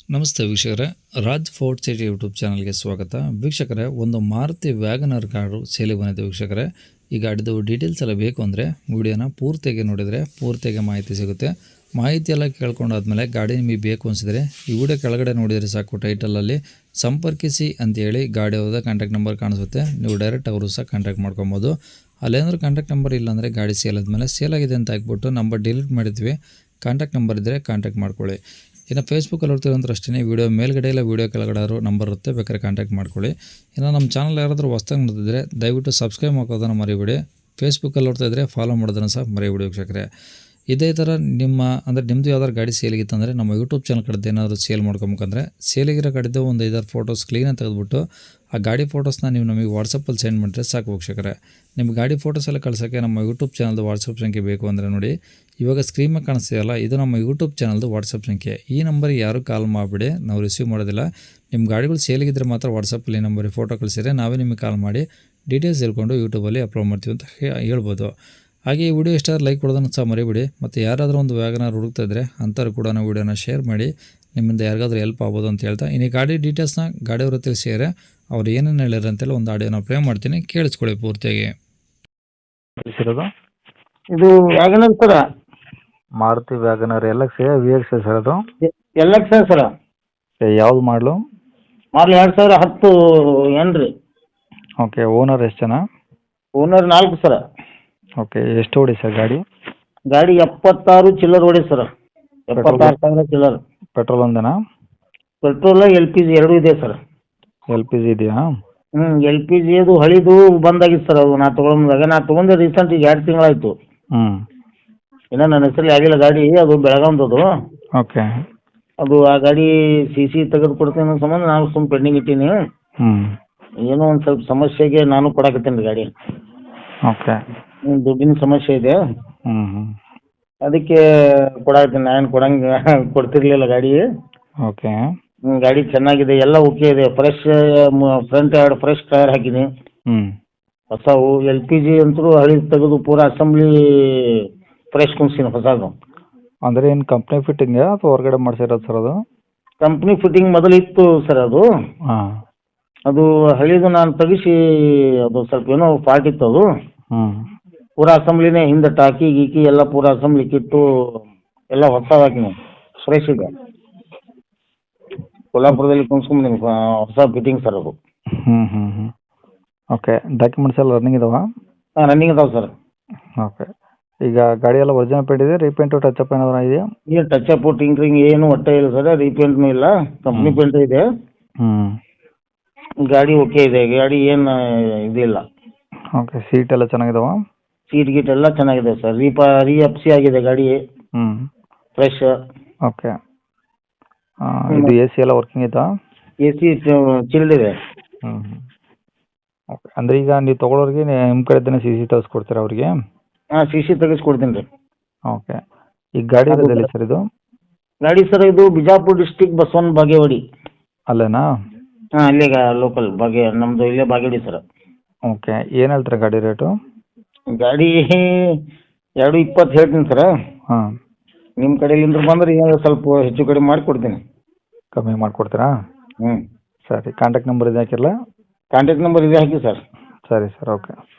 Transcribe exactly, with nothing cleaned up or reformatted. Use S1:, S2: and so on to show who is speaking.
S1: ನಮಸ್ತೆ ವೀಕ್ಷಕರೇ, Raj fort city YouTube ಚಾನಲ್ಗೆ ಸ್ವಾಗತ. ವೀಕ್ಷಕರೇ, ಒಂದು ಮಾರುತಿ ವ್ಯಾಗನರ್ ಕಾರು ಸೇಲಿಗೆ ಬಂದಿದೆ ವೀಕ್ಷಕರೇ. ಈ ಗಾಡಿದು ಡೀಟೇಲ್ಸ್ ಎಲ್ಲ ಬೇಕು ಅಂದರೆ ವಿಡಿಯೋನ ಪೂರ್ತಿಯಾಗಿ ನೋಡಿದರೆ ಪೂರ್ತಿಯಾಗಿ ಮಾಹಿತಿ ಸಿಗುತ್ತೆ. ಮಾಹಿತಿ ಎಲ್ಲ ಕೇಳ್ಕೊಂಡಾದ್ಮೇಲೆ ಗಾಡಿ ನಿಮಗೆ ಬೇಕು ಅನಿಸಿದರೆ ಈ ವಿಡಿಯೋ ಕೆಳಗಡೆ ನೋಡಿದರೆ ಸಾಕು, ಟೈಟಲಲ್ಲಿ ಸಂಪರ್ಕಿಸಿ ಅಂತೇಳಿ ಗಾಡಿ ಅವ್ರದ್ದು ಕಾಂಟ್ಯಾಕ್ಟ್ ನಂಬರ್ ಕಾಣಿಸುತ್ತೆ. ನೀವು ಡೈರೆಕ್ಟ್ ಅವರು ಸಹ ಕಾಂಟ್ಯಾಕ್ಟ್ ಮಾಡ್ಕೊಬೋದು. ಅಲ್ಲೇನಾದ್ರೂ ಕಾಂಟ್ಯಾಕ್ಟ್ ನಂಬರ್ ಇಲ್ಲಾಂದರೆ ಗಾಡಿ ಸೇಲ್ ಆದಮೇಲೆ ಸೇಲ್ ಆಗಿದೆ ಅಂತ ಹಾಕ್ಬಿಟ್ಟು ನಂಬರ್ ಡಿಲೀಟ್ ಮಾಡಿದ್ವಿ, ಕಾಂಟ್ಯಾಕ್ಟ್ ನಂಬರ್ ಇದ್ದರೆ ಕಾಂಟ್ಯಾಕ್ಟ್ ಮಾಡ್ಕೊಳ್ಳಿ. ಇನ್ನು ಫೇಸ್ಬುಕ್ಕಲ್ಲಿ ಹೋಗ್ತಿರೋಂದ್ರೆ ಅಷ್ಟೇ, ವೀಡಿಯೋ ಮೇಲ್ಗಡೆ ಇಲ್ಲ ವೀಡಿಯೋ ಕೆಳಗಡೆ ನಂಬರ್ ಇರುತ್ತೆ, ಬೇಕಾದ್ರೆ ಕಾಂಟ್ಯಾಕ್ಟ್ ಮಾಡ್ಕೊಳ್ಳಿ. ಇನ್ನು ನಮ್ಮ ಚಾನಲ್ ಯಾರಾದರೂ ಹೊಸ್ದಾಗಿ ನೋಡ್ತಿದ್ರೆ ದಯವಿಟ್ಟು ಸಬ್ಸ್ಕ್ರೈಬ್ ಮಾಡೋದನ್ನು ಮರಿಬೇಡಿ. ಫೇಸ್ಬುಕ್ಕಲ್ಲಿ ನೋಡ್ತಾ ಇದ್ದರೆ ಫಾಲೋ ಮಾಡೋದನ್ನು ಸಹ ಮರಿಬೇಡಿ ವೀಕ್ಷಕರೇ. ಇದೇ ಥರ ನಿಮ್ಮ ಅಂದರೆ ನಿಮ್ಮದು ಯಾವ್ದಾದ್ರು ಗಾಡಿ ಸೇಲಿಗಿತ್ತಂದರೆ ನಮ್ಮ ಯೂಟ್ಯೂಬ್ ಚಾನಲ್ ಕಡೆದು ಏನಾದರೂ ಸೇಲ್ ಮಾಡ್ಕೊಬೇಕಂದ್ರೆ ಸೇಲಿಗಿರೋ ಗಾಡಿದ್ದು ಒಂದು ಐದಾರು ಫೋಟೋಸ್ ಕ್ಲೀನಾಗಿ ತೆಗೆದುಬಿಟ್ಟು ಆ ಗಾಡಿ ಫೋಟೋಸ್ನ ನೀವು ನಮಗೆ ವಾಟ್ಸಪ್ಪಲ್ಲಿ ಸೆಂಡ್ ಮಾಡಿದ್ರೆ ಸಾಕು ವೀಕ್ಷಕರೇ. ನಿಮ್ಮ ಗಾಡಿ ಫೋಟೋಸ್ ಎಲ್ಲ ಕಳ್ಸೋಕ್ಕೆ ನಮ್ಮ ಯೂಟ್ಯೂಬ್ ಚಾನಲ್ದು ವಾಟ್ಸಪ್ ಸಂಖ್ಯೆ ಬೇಕು ಅಂದರೆ ನೋಡಿ, ಇವಾಗ ಸ್ಕ್ರೀನ್ ಮೇಲೆ ಕಾಣಿಸ್ತೀಯಲ್ಲ, ಇದು ನಮ್ಮ ಯೂಟ್ಯೂಬ್ ಚಾನಲ್ದು ವಾಟ್ಸಪ್ ಸಂಖ್ಯೆ. ಈ ನಂಬರಿಗೆ ಯಾರೂ ಕಾಲ್ ಮಾಡಿಬಿಡಿ, ನಾವು ರಿಸೀವ್ ಮಾಡೋದಿಲ್ಲ. ನಿಮ್ಮ ಗಾಡಿಗಳು ಸೇಲಿಗಿದ್ರೆ ಮಾತ್ರ ವಾಟ್ಸಪ್ಪಲ್ಲಿ ನಂಬರಿಗೆ ಫೋಟೋ ಕಳಿಸಿದ್ರೆ ನಾವೇ ನಿಮಗೆ ಕಾಲ್ ಮಾಡಿ ಡೀಟೇಲ್ಸ್ ಹೇಳ್ಕೊಂಡು ಯೂಟ್ಯೂಬಲ್ಲಿ ಅಪ್ಲೋಡ್ ಮಾಡ್ತೀವಿ ಅಂತ ಹೇಳ್ಬೋದು. ಹಾಗೆ ಈ ವಿಡಿಯೋ ಇಷ್ಟ ಲೈಕ್ ಕೊಡೋದನ್ನು ಸಹ ಮರಿಬಿಡಿ. ಮತ್ತು ಯಾರಾದರೂ ಒಂದು ವ್ಯಾಗನರ್ ಹುಡುಕ್ತಾ ಇದ್ದರೆ ಅಂಥವ್ರು ಕೂಡ ನಾವು ವಿಡಿಯೋನ ಶೇರ್ ಮಾಡಿ, ನಿಮ್ಮಿಂದ ಯಾರಿಗಾದ್ರೂ ಹೆಲ್ಪ್ ಆಗ್ಬೋದು ಅಂತ ಹೇಳ್ತಾ, ಇನ್ನು ಗಾಡಿ ಡೀಟೇಲ್ಸ್ನ ಗಾಡಿಯವ್ರ ತಿಳಿಸಿದರೆ ಅವ್ರು ಏನೇನು ಹೇಳಿದ್ರು ಅಂತೇಳಿ ಒಂದು ಆಡಿಯೋನ ಪ್ಲೇ ಮಾಡ್ತೀನಿ, ಕೇಳಿಸ್ಕೊಳ್ಳಿ ಪೂರ್ತಿಯಾಗಿ.
S2: ತಿಳಿಸಿರೋದು
S3: ಇದು WagonR sir,
S2: Maruti WagonR L X V X sir. ಅದು
S3: ಎಲ್ ಎಕ್ಸ್ ಸರ,
S2: ಯಾವ್ದು ಮಾಡಲು?
S3: ಮಾಡಲ್ ಎರಡು ಸಾವಿರ ಹತ್ತು ಏನು ರೀ.
S2: ಓಕೆ. ಓನರ್ ಎಷ್ಟು ಜನ?
S3: ಓನರ್ ನಾಲ್ಕು ಸರ.
S2: ಓಕೆ. ಎಷ್ಟು ಓಡಿ ಸರ್ ಗಾಡಿ?
S3: ಗಾಡಿ ಎಪ್ಪತ್ತಾರು ಚಿಲ್ಲರ್ ಓಡಿ ಸರ, ಎಪ್ಪತ್ತಾರು ಸಾವಿರ ಚಿಲ್ಲರ್.
S2: ಪೆಟ್ರೋಲ್ ಒಂದೇನಾ?
S3: ಪೆಟ್ರೋಲ್ ಎಲ್ ಪಿ ಜಿ ಎರಡೂ ಇದೆ ಸರ್.
S2: ಎಲ್ ಪಿ ಜಿ ಇದೆಯಾ?
S3: ಹ್ಞೂ ಎಲ್ ಪಿ ಜಿ ಅದು ಹಳಿದು ಬಂದಾಗಿತ್ತು ಸರ್. ಅದು ನಾ ತೊಗೊಂಡಾಗ ನಾ ತೊಗೊಂಡೆ ರೀಸೆಂಟ್ ಈಗ ಎರಡು ತಿಂಗಳಾಯಿತು.
S2: ಹ್ಞೂ.
S3: ಇನ್ನೂ ನನ್ನ ಹೆಸರಲ್ಲಿ ಆಗಿಲ್ಲ ಗಾಡಿ. ಅದು ಬೆಳಗಾಮ್ದು.
S2: ಓಕೆ.
S3: ಅದು ಆ ಗಾಡಿ ಸಿ ಸಿ ತೆಗೆದು ಕೊಡ್ತೀನಿ ಅನ್ನೋ ಸಂಬಂಧ ನಾನು ಸುಮ್ಮ ಪೆಂಡಿಂಗ್ ಇಟ್ಟೀನಿ.
S2: ಹ್ಞೂ.
S3: ಏನೋ ಒಂದು ಸ್ವಲ್ಪ ಸಮಸ್ಯೆಗೆ ನಾನು ಕೊಡಾಕತ್ತೀನಿ ರೀ ಗಾಡಿ.
S2: ಓಕೆ.
S3: ಹ್ಞೂ ದುಡ್ಡಿನ ಸಮಸ್ಯೆ ಇದೆ,
S2: ಹ್ಞೂ ಹ್ಞೂ
S3: ಅದಕ್ಕೆ ಕೊಡಾಕತ್ತೀನಿ. ನಾನು ಕೊಡಂಗೆ ಕೊಡ್ತಿರ್ಲಿಲ್ಲ ಗಾಡಿ.
S2: ಓಕೆ.
S3: ಹ್ಞೂ ಗಾಡಿ ಚೆನ್ನಾಗಿದೆ, ಎಲ್ಲ ಓಕೆ ಇದೆ. ಫ್ರೆಶ್ ಫ್ರಂಟ್ ಎರಡು ಫ್ರೆಶ್ ಟೈರ್ ಹಾಕಿನಿ,
S2: ಹ್ಞೂ.
S3: ಹೊಸವು. ಎಲ್ ಪಿ ಜಿ ಅಂತೂ ಹಳಿ ತೆಗೆದು ಪೂರಾ ಅಸೆಂಬ್ಲಿ ಫ್ರೆಶ್ ಕುಣಿಸ್ತೀನಿ ಹೊಸದು.
S2: ಅಂದರೆ ಏನು ಕಂಪ್ನಿ ಫಿಟ್ಟಿಂಗಾ ಅಥವಾ ಹೊರಗಡೆ ಮಾಡಿಸಿರೋದು ಸರ್ ಅದು?
S3: ಕಂಪ್ನಿ ಫಿಟ್ಟಿಂಗ್ ಮೊದಲು ಇತ್ತು ಸರ್ ಅದು.
S2: ಹಾಂ.
S3: ಅದು ಹಳಿದು ನಾನು ತೆಗಿಸಿ, ಅದು ಸ್ವಲ್ಪ ಏನೋ ಫಾಲ್ಟ್ ಇತ್ತು ಅದು.
S2: ಹ್ಞೂ.
S3: ಪೂರಾ ಅಸೆಂಬ್ಲಿನೇ, ಹಿಂದೆ ಟಾಕಿ ಗೀಕಿ ಎಲ್ಲ ಪೂರಾ ಅಸೆಂಬ್ಲಿ ಕಿತ್ತು ಎಲ್ಲ ಹೊಸದು ಹಾಕಿನಿ, ಫ್ರೆಶ್ ಇದೆ. ಕೊಲ್ಲಾಪುರದಲ್ಲಿ ಕುಣಿಸ್ಕೊಂಬಂದಿನಿ, ಹೊಸ ಫಿಟ್ಟಿಂಗ್ ಸರ್ ಅದು.
S2: ಹ್ಞೂ ಹ್ಞೂ ಹ್ಞೂ ಓಕೆ. ಡಾಕ್ಯುಮೆಂಟ್ಸ್ ಎಲ್ಲ ರನ್ನಿಂಗ್ ಇದಾವಾ?
S3: ಹಾಂ ರನ್ನಿಂಗ್ ಅದಾವೆ ಸರ್.
S2: ಓಕೆ. ಈಗ ಗಾಡಿ ಎಲ್ಲ ಒರಿಜಿನಲ್ ಪೇಂಟ್ ಇದೆ, ರೀಪೇಂಟು ಟಚಪ್ ಏನಾದ್ರು ಇದೆಯಾ?
S3: ಏನು ಟಚ್ ಅಪ್ ಟಿಂಕ್ರಿಂಗ್ ಏನು ಒಟ್ಟೆ ಇಲ್ಲ ಸರ್. ರೀಪೇಂಟ್ನೂ ಇಲ್ಲ, ಕಂಪ್ನಿ ಪೇಂಟ್ ಇದೆ.
S2: ಹ್ಞೂ.
S3: ಗಾಡಿ ಓಕೆ ಇದೆ, ಗಾಡಿ ಏನು ಇದಿಲ್ಲ.
S2: ಓಕೆ. ಸೀಟ್ ಎಲ್ಲ ಚೆನ್ನಾಗಿದಾವ?
S3: ಸೀಟ್ ಗೀಟ್ ಎಲ್ಲ ಚೆನ್ನಾಗಿದೆ ಸರ್. ರೀಪ ರೀ ಎಫ್ ಸಿ ಆಗಿದೆ ಗಾಡಿ,
S2: ಹ್ಞೂ.
S3: ಫ್ರೆಶ್.
S2: ಓಕೆ. ಇದು ಎ ಸಿ ಎಲ್ಲ ವರ್ಕಿಂಗ್ ಐತಾ?
S3: ಎ ಸಿ ಚಿಲ್ಡ್ ಇದೆ.
S2: ಹ್ಞೂ ಹ್ಞೂ ಓಕೆ. ಅಂದರೆ ಈಗ ನೀವು ತೊಗೊಳೋರಿಗೆ ನಿಮ್ಮ ಕಡೆದೇ ಸಿ ಸಿ ತೆಗೆಸ್ಕೊಡ್ತೀರಾ ಅವ್ರಿಗೆ?
S3: ಹಾಂ ಸಿ ಸಿ ತೆಗೆಸ್ಕೊಡ್ತೀನಿ ರೀ.
S2: ಓಕೆ. ಈಗ ಗಾಡಿ ಇರೋದೆಲ್ಲಿ ಸರ್ ಇದು?
S3: ಗಾಡಿ ಸರ್ ಇದು ಬಿಜಾಪುರ ಡಿಸ್ಟಿಕ್ ಬಸವನ ಬಾಗೇವಾಡಿ.
S2: ಅಲ್ಲೇನಾ?
S3: ಹಾಂ ಅಲ್ಲೇ ಲೋಕಲ್ ಬಾಗೆ, ನಮ್ಮದು ಇಲ್ಲೇ ಬಾಗೇವಾಡಿ ಸರ್.
S2: ಓಕೆ. ಏನು ಹೇಳ್ತಾರೆ ಗಾಡಿ ರೇಟು?
S3: ಗಾಡಿ ಎರಡು ಇಪ್ಪತ್ತು ಹೇಳ್ತೀನಿ ಸರ್.
S2: ಹಾಂ.
S3: ನಿಮ್ಮ ಕಡೆಯಿಂದ ಬಂದ್ರೆ ಈಗ ಸ್ವಲ್ಪ ಹೆಚ್ಚು ಕಡಿಮೆ ಮಾಡಿಕೊಡ್ತೀನಿ.
S2: ಕಮ್ಮಿ ಮಾಡಿಕೊಡ್ತೀರಾ?
S3: ಹ್ಞೂ
S2: ಸರಿ. ಕಾಂಟ್ಯಾಕ್ಟ್ ನಂಬರ್ ಇದೆ ಹಾಕಿರಲ್ಲ?
S3: ಕಾಂಟ್ಯಾಕ್ಟ್ ನಂಬರ್ ಇದೆ ಹಾಕಿ ಸರ್.
S2: ಸರಿ ಸರ್. ಓಕೆ.